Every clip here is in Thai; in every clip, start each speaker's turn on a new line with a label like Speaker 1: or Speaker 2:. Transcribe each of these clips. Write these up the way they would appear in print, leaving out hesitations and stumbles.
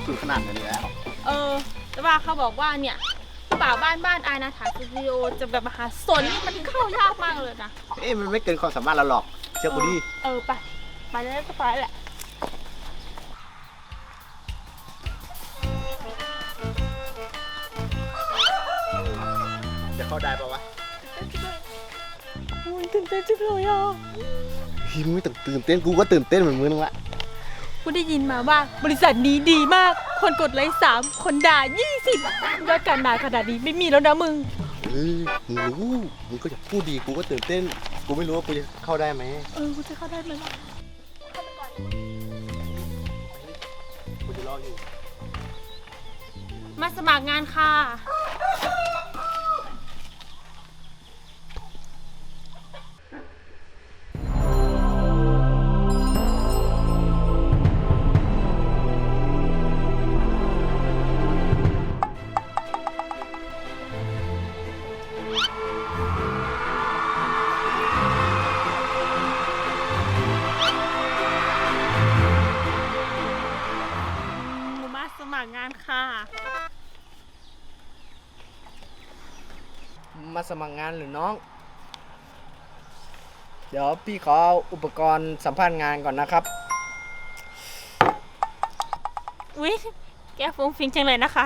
Speaker 1: สุดขนาดนั้นแล้ว
Speaker 2: แต่ว่าเขาบอกว่าเนี่ยป่าบ้านอายนาถาสตูดิโอจะแบบมหาสนนี่มันเข้ายากมากเลยนะ
Speaker 1: มันไม่เกินความสามารถเราหรอกเชื่อกูดิ
Speaker 2: ไปแล้วก็ไปแหละ
Speaker 1: จะเข้าได้ปะวะ
Speaker 2: ตื่นเต้นจังเลยอ่ะ
Speaker 1: มึงไม่ต้องตื่นเต้นกูก็ตื่นเต้นเหมือนมึงละ
Speaker 2: กูได้ยินมาว่าบริษัทนี้ดีมากคนกดไลค์3คนด่า20ยอดการด่าขนาดนี้ไม่มีแล้วนะมึง
Speaker 1: มึงรู้มึงก็จะพูดดีกูก็ตื่นเต้นกูไม่รู้ว่ากูจะเข้าได้ไหม
Speaker 2: กูจะเข้าได้ไหมวะเข้าไปก่อน
Speaker 1: กูจะรออยู่
Speaker 2: มาสมัครงานค่ะสมัครงานค่ะ
Speaker 3: มาสมัครงานหรือน้องเดี๋ยวพี่ขอเอาอุปกรณ์สัมภาษณ์งานก่อนนะครับ
Speaker 2: อุ๊ยแกฟุ้งฟิ้งจังเลยนะคะ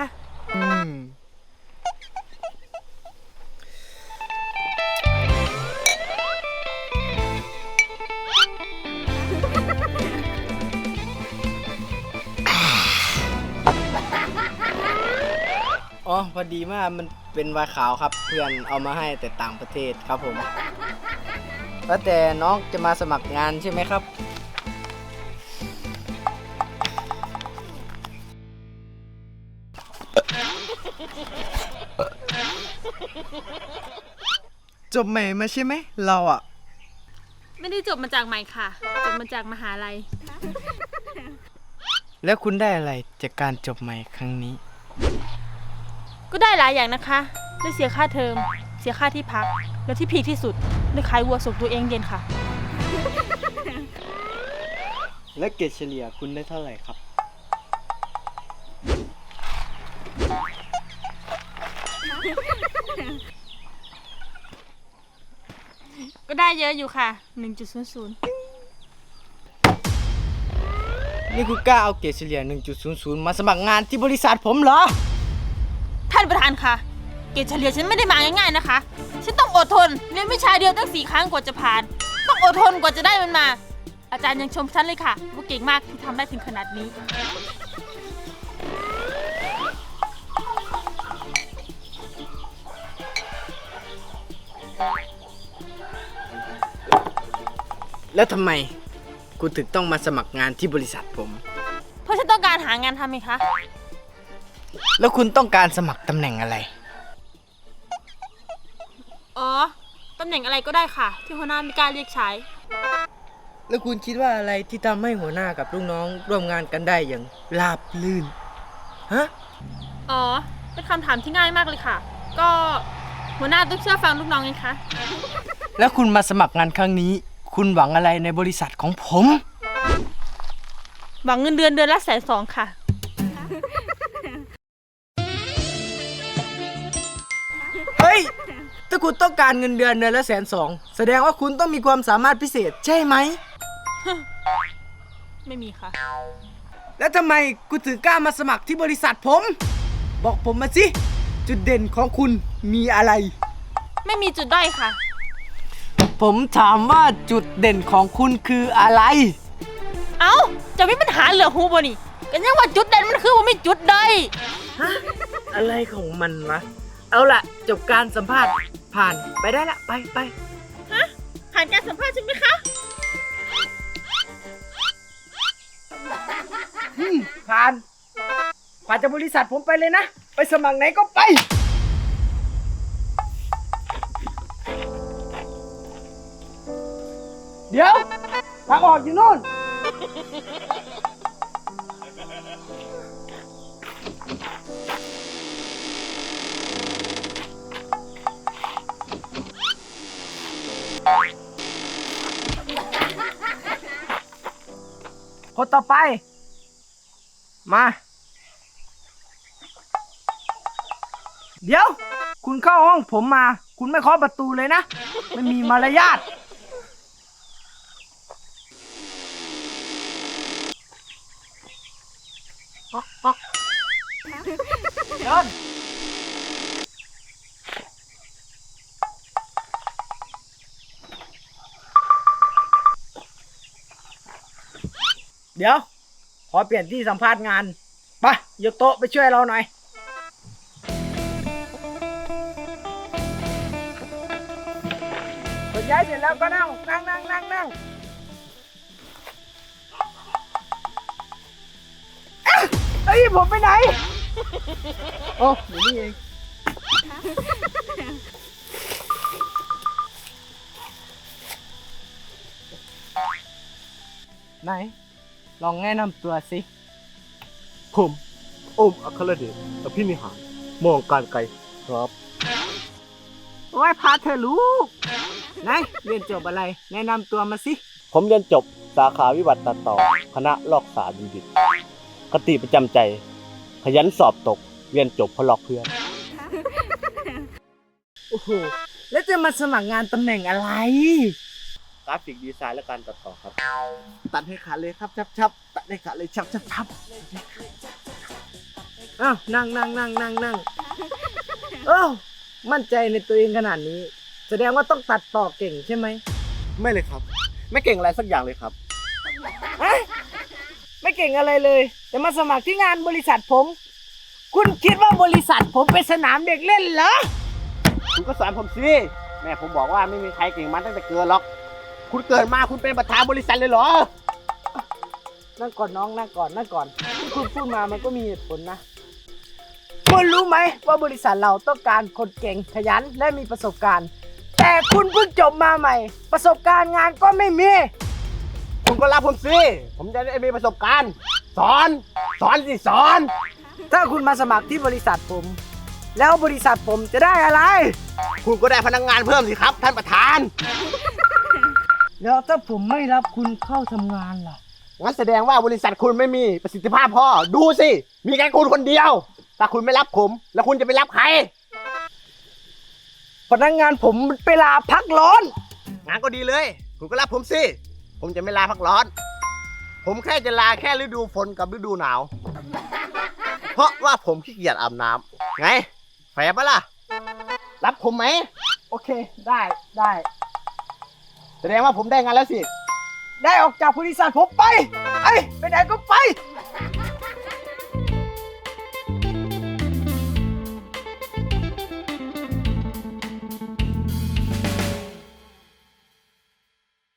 Speaker 3: อ๋อพอดีมากมันเป็นวายขาวครับเพื่อนเอามาให้แต่ต่างประเทศครับผมแล้วแต่น้องจะมาสมัครงานใช่ไหมครับจบใหม่มาใช่ไหมเราอ่ะ
Speaker 2: ไม่ได้จบมาจากใหม่ค่ะจบมาจากมหาลัย
Speaker 3: แล้วคุณได้อะไรจากการจบใหม่ครั้งนี้
Speaker 2: ก็ได้หลายอย่างนะคะได้เสียค่าเทอมเสียค่าที่พักแล้วที่พีคที่สุดได้ขายวัวส่งตัวเองเย็นค่ะ
Speaker 3: และเกรดเฉลี่ยคุณได้เท่าไหร่ครับ
Speaker 2: ก็ได้เยอะอยู่ค่ะ 1.00
Speaker 3: นี่คุณกล้าเอาเกรดเฉลี่ย 1.00 มาสมัครงานที่บริษัทผมเหรอ
Speaker 2: ท่านประธานคะเกรดเฉลี่ยฉันไม่ได้มาง่ายๆนะคะฉันต้องอดทนเรียนวิชาเดียวตั้ง4 ครั้งกว่าจะผ่านต้องอดทนกว่าจะได้มันมาอาจารย์ยังชมฉันเลยค่ะว่าเก่งมากที่ทำได้ถึงขนาดนี้
Speaker 3: แล้วทำไมคุณถึงต้องมาสมัครงานที่บริษัทผม
Speaker 2: เพราะฉันต้องการหางานทำไงคะ
Speaker 3: แล้วคุณต้องการสมัครตำแหน่งอะไร
Speaker 2: ตำแหน่งอะไรก็ได้ค่ะที่หัวหน้าไม่กล้าเรียกใช้
Speaker 3: แล้วคุณคิดว่าอะไรที่ทำให้หัวหน้ากับลูกน้องร่วมงานกันได้อย่างราบรื่นฮะ
Speaker 2: เป็นคำถามที่ง่ายมากเลยค่ะก็หัวหน้าต้องเชื่อฟังลูกน้องไงคะ
Speaker 3: แล้วคุณมาสมัครงานครั้งนี้คุณหวังอะไรในบริษัทของผม
Speaker 2: หวังเงินเดือนละ120,000 ค่ะ
Speaker 3: เฮ้ยถ้าคุณต้องการเงินเดือนละ120,000แสดงว่าคุณต้องมีความสามารถพิเศษใช่ไหม
Speaker 2: ไม่มีค่ะ
Speaker 3: แล้วทำไมคุณถึงกล้ามาสมัครที่บริษัทผมบอกผมมาสิจุดเด่นของคุณมีอะไร
Speaker 2: ไม่มีจุดด้อยค่ะ
Speaker 3: ผมถามว่าจุดเด่นของคุณคืออะไร
Speaker 2: จะมีปัญหาเหลือหูบ่นี่กันยังว่าจุดเด่นมันคือว่าไม่จุดด้อย
Speaker 3: อะไรของมันวะเอาล่ะจบการสัมภาษณ์ผ่านไปได้ละไป
Speaker 2: ผ่านการสัมภาษณ์ใช่ไหมคะ
Speaker 3: ผ่านจากบริษัทผมไปเลยนะไปสมัครไหนก็ไปเดี๋ยวทางออกอยู่นู่นคนต่อไปมาเดี๋ยว คุณเข้าห้องผมมา คุณไม่เคาะประตูเลยนะ ไม่มีมารยาทเดินเดี๋ยว ขอเปลี่ยนที่สัมภาษณ์งานไปยกโต๊ะไปช่วยเราหน่อยขนย้ายเสร็จแล้วก็นั่งเอ้ยผมไปไหน
Speaker 1: โอ้อยู่นี่เอง
Speaker 3: ไหน ลองแนะนำตัวสิ
Speaker 1: ผมโอมอัครเดชอภินิหารมองการไกลครับ
Speaker 3: ไหว้พาเธอลูกไหนเรียนจบอะไร แนะนำตัวมาสิ
Speaker 1: ผมเรียนจบสาขาวิวัฒน์ตัดต่อคณะลอกสารบัณฑิตคติประจำใจ ขยันสอบตก เรียนจบเพราะลอกเพื่อน
Speaker 3: โอ้โห แล้วจะมาสมัครงานตำแหน่งอะไร
Speaker 1: กราฟิกดีไซน์และการตัดต่อครับ ตัดให้ขาดเลยครับชับตัดให้ขาดเลยชับ
Speaker 3: อ้าว นั่งเอ้ามั่นใจในตัวเองขนาดนี้ แสดงว่าต้องตัดต่อเก่งใช่ไหม
Speaker 1: ไม่เลยครับ ไม่เก่งอะไรสักอย่างเลยครับ
Speaker 3: ไม่เก่งอะไรเลยแต่มาสมัครที่งานบริษัทผม คุณคิดว่าบริษัทผมเป็นสนามเด็กเล่นเหรอ
Speaker 1: คุณก็สอนผมสิแม่ผมบอกว่าไม่มีใครเก่งมันตั้งแต่เกิดหรอก คุณเกิดมาคุณเป็นประธานบริษัทเลยเหรอ
Speaker 3: นั่งก่อนน้องนั่งก่อนที่คุณพูดมามันก็มีเหตุผลนะคุณรู้ไหมว่าบริษัทเราต้องการคนเก่งขยันและมีประสบการณ์ แต่คุณเพิ่งจบมาใหม่ ประสบการณ์งานก็ไม่มี
Speaker 1: คุณก็รับผมสิ ผมจะได้มีประสบการณ์ สอนสิสอน
Speaker 3: ถ้าคุณมาสมัครที่บริษัทผม แล้วบริษัทผมจะได้อะไร
Speaker 1: คุณก็ได้พนักงานเพิ่มสิครับ ท่านประธาน
Speaker 3: แล้วถ้าผมไม่รับคุณเข้าทำงานล่ะ
Speaker 1: งั้นแสดงว่าบริษัทคุณไม่มีประสิทธิภาพพอ ดูสิ มีแค่คุณคนเดียว ถ้าคุณไม่รับผม แล้วคุณจะไปรับใคร
Speaker 3: พนักงานผมเวลาพักร้อน
Speaker 1: งานก็ดีเลย คุณก็รับผมสิ ผมจะไม่ลาพักร้อน ผมแค่จะลาแค่ฤดูฝนกับฤดูหนาว เพราะว่าผมขี้เกียจอาบน้ำไงแฝงปะล่ะ รับผมไหม
Speaker 3: โอเคได้
Speaker 1: แสดงว่าผมได้งานแล้วสิ
Speaker 3: ได้ออกจากบริษัทผมไปไปไหนก็ไป